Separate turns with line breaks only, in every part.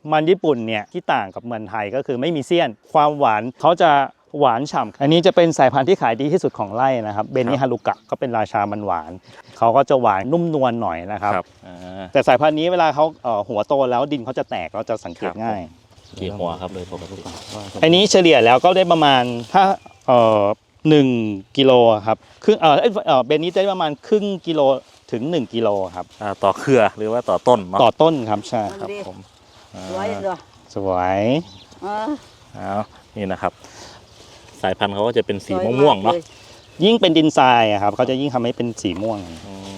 มันญี่ปุ่นเนี่ยที่ต่างกับเมืองไทยก็คือไม่มีเสี้ยนความหวานเขาจะหวานฉ่ำอันนี้จะเป็นสายพันธุ์ที่ขายดีที่สุดของไร่นะครับเบนิฮารุกะก็เป็นราชามันหวานเขาก็จะหวานนุ่มนวลหน่อยนะครับแต่สายพันธุ์นี้เวลาเขาหัวโตแล้วดินเขาจะแตกเราจะสังเกตง่าย
กี่หัวครับเลยปกติ
อันนี้เฉลี่ยแล้วก็ได้ประมาณถ้า1 กิโลครับครึ่งเบนนี้ได้ประมาณครึ่งกิโลถึง1 กิโลครับ
ต่อเครือหรือว่าต่อต้นเนาะ
ต่อต้นครับใช่
ครับผม
สวยเลย
สวย
นี่นะครับสายพันธุ์เขาก็จะเป็นสีม่วงๆเนาะ
ยิ่งเป็นดินทรายครับเขาจะยิ่งทำให้เป็นสีม่วง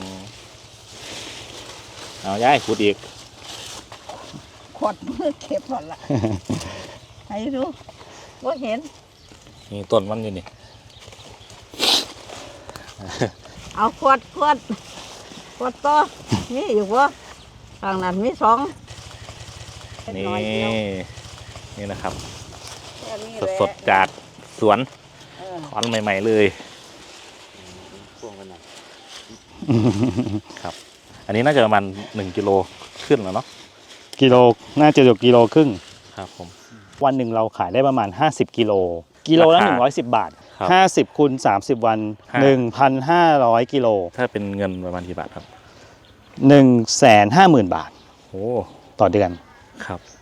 เอาย้ายขุดอีก
ขวดมือเก็บหมดละให้ดูว่าเห็น
นี่ต้นมันอยู่นี่
เอาขวดต่อนี่อยู่วะทางนั้นมี2
นี่นะครับสดจากสวนถอนใหม่ๆเลยครับอันนี้น่าจะประมาณ1 กิโลขึ้นแล้วเนาะ
กิโลน่าจะอยู่กิโลครึ่ง
ครับผม
วันหนึ่งเราขายได้ประมาณ50 กิโลละ110 บาท50 คูณ 30 วัน 1,500 กิโล
ถ้าเป็นเงินประมาณกี่บาทครับ
150,000 บาท
โอ้
ต่อเดือน
ครับ